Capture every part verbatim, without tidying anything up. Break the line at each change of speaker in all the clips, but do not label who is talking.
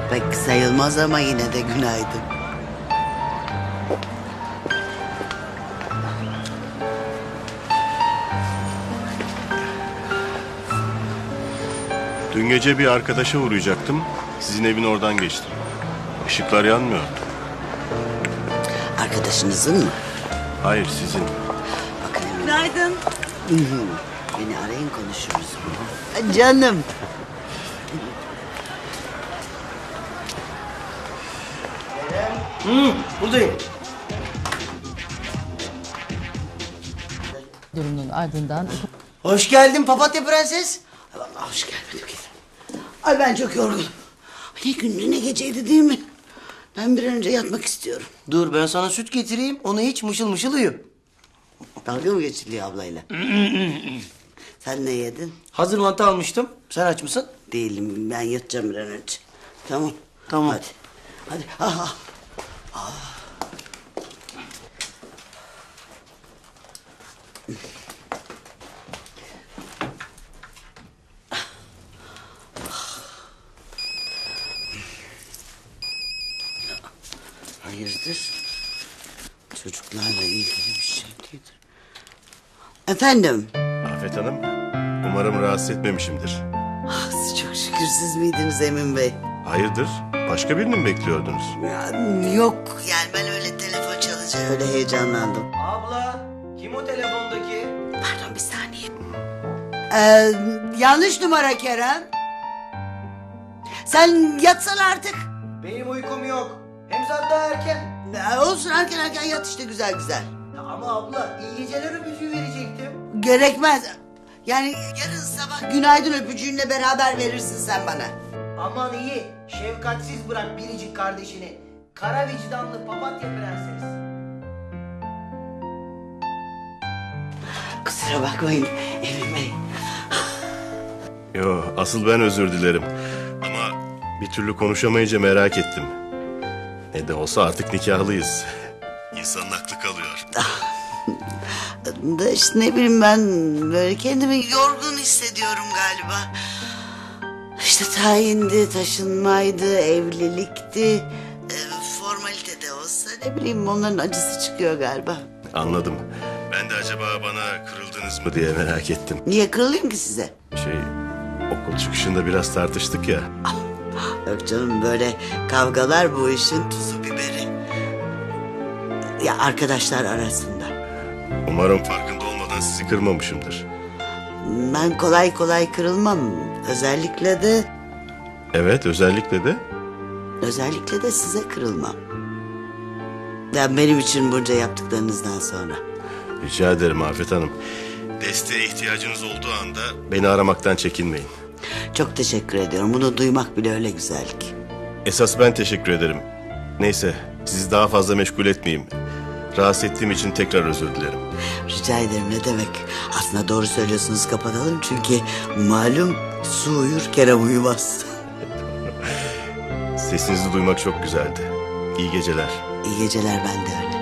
Pek sayılmaz ama yine de günaydın.
Dün gece bir arkadaşa uğrayacaktım. Sizin evin oradan geçtim. Işıklar yanmıyor.
Arkadaşınızın mı?
Hayır, sizin.
Bakın Emine.
Günaydın.
Beni arayın konuşuruz. Ha, Canım.
Buradayım.
Durumunun ardından
Hoş geldin papatya prenses.
Ay vallahi hoş gelmedim ki. Ay ben çok yorgunum. Ne gündü ne geceydi değil mi? Ben bir an önce yatmak istiyorum.
Dur ben sana süt getireyim. Onu hiç mışıl mışıl uyu.
Dalga mı geçiliyor ablayla? Sen ne yedin?
Hazır mantı almıştım. Sen aç mısın?
Değilim, ben yatacağım bir an önce. Tamam.
Tamam.
Hadi. Hadi. Ah, ah. Hayırdır? Çocuklarla ilgili bir şey değildir. Efendim?
Afet Hanım, umarım rahatsız etmemişimdir.
Ah, çok şükür siz miydiniz Emin Bey?
Hayırdır? Başka birini mi bekliyordunuz?
Ya, yok yani ben öyle telefon çalınca öyle heyecanlandım.
Abla kim o telefondaki?
Pardon bir saniye. Ee, yanlış numara Kerem. Sen yatsan artık.
Benim uykum yok. Hem saat daha erken.
Ee, olsun erken erken yat işte güzel güzel.
Ya ama abla iyi geceler öpücüğü verecektim.
Gerekmez. Yani yarın sabah günaydın öpücüğünle beraber verirsin sen bana.
Aman iyi. Şefkatsiz bırak biricik kardeşini. Kara vicdanlı papatya prenses.
Kusura bakmayın Emin Bey.
Yo, asıl ben özür dilerim. Ama bir türlü konuşamayınca merak ettim. Ne de olsa artık nikahlıyız. İnsanın aklı kalıyor.
Da işte ne bileyim ben böyle kendimi yorgun hissediyorum galiba. İşte tayindi, taşınmaydı, evlilikti. E, formalite de olsa ne bileyim onların acısı çıkıyor galiba.
Anladım. Ben de acaba bana kırıldınız mı diye merak ettim.
Niye kırılayım ki size?
Şey, okul çıkışında biraz tartıştık ya.
Yok canım böyle kavgalar bu işin tuzu biberi. Ya arkadaşlar arasında.
Umarım farkında olmadan sizi kırmamışımdır.
Ben kolay kolay kırılmam. Özellikle de
Evet, özellikle de
özellikle de size kırılmam. Ya benim için bunca yaptıklarınızdan sonra.
rica ederim Afet Hanım. Desteğe ihtiyacınız olduğu anda beni aramaktan çekinmeyin.
Çok teşekkür ediyorum. Bunu duymak bile öyle güzel ki.
Esas ben teşekkür ederim. Neyse, sizi daha fazla meşgul etmeyeyim. Rahatsız ettiğim için tekrar özür dilerim.
Rica ederim ne demek. Aslında doğru söylüyorsunuz kapatalım. Çünkü malum su uyur Kerem uyumaz.
Sesinizi duymak çok güzeldi. İyi geceler.
İyi geceler ben de öyle.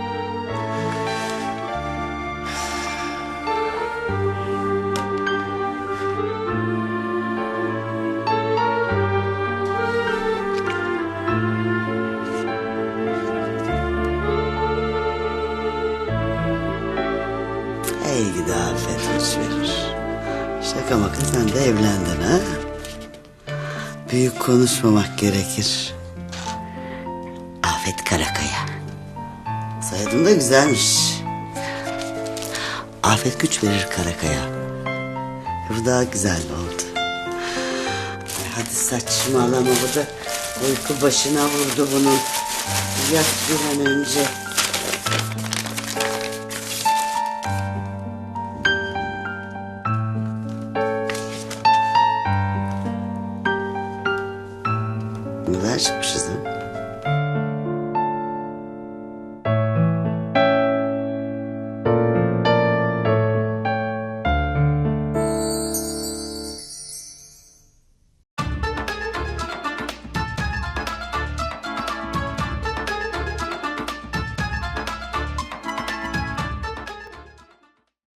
Hey gidi afet hoş verir. Şaka maka sen de evlendin ha? Büyük konuşmamak gerekir. Afet Karakaya. Soyadın da güzelmiş. Afet güç verir Karakaya. Bu daha güzel oldu. Ay hadi saçmalama bu da uyku başına vurdu bunun. Yat bir an önce. Ne kadar çıkmışız ha?